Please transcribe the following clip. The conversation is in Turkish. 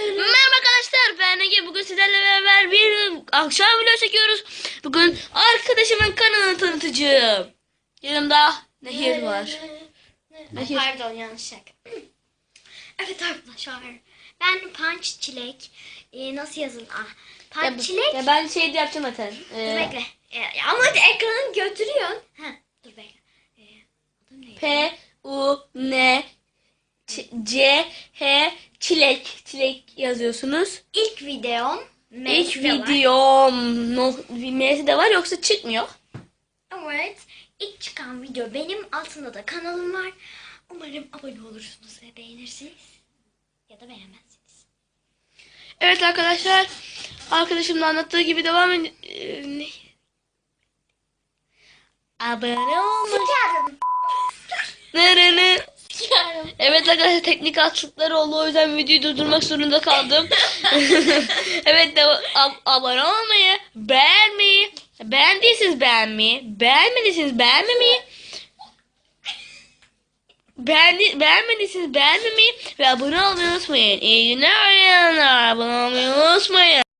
Merhaba arkadaşlar, ben Ege. Bugün sizlerle beraber bir akşam video çekiyoruz. Bugün arkadaşımın kanalını tanıtacağım. Yanımda Nehir var. Nehir. Pardon, yanlış şaka. Evet arkadaşlar, ben Punch Çilek. Nasıl yazın? Punch Çilek. Ya ben şey de yapacağım zaten. Dur bekle. Ama ekranı götürüyorsun. Dur bekle. Adım neydi? P-U-N-C-H Çilek yazıyorsunuz. İlk videom. İlk videom. M'si de var yoksa çıkmıyor. Evet. İlk çıkan video benim. Altında da kanalım var. Umarım abone olursunuz ve beğenirsiniz. Ya da beğenmezsiniz. Evet arkadaşlar, arkadaşımın anlattığı gibi devam edin. Abone olmayı. Sikerim. Nereni? Sikerim. Evet arkadaşlar, teknik aksaklıklar oldu, o yüzden videoyu durdurmak zorunda kaldım. Evet, abone olmayı, beğenmeyi, beğendiyseniz beğenmeyi, beğenmediyseniz beğenmemeyi, beğenmediyseniz beğenmemeyi ve abone olmayı unutmayın. İyi günler oynayanlar, abone olmayı unutmayın.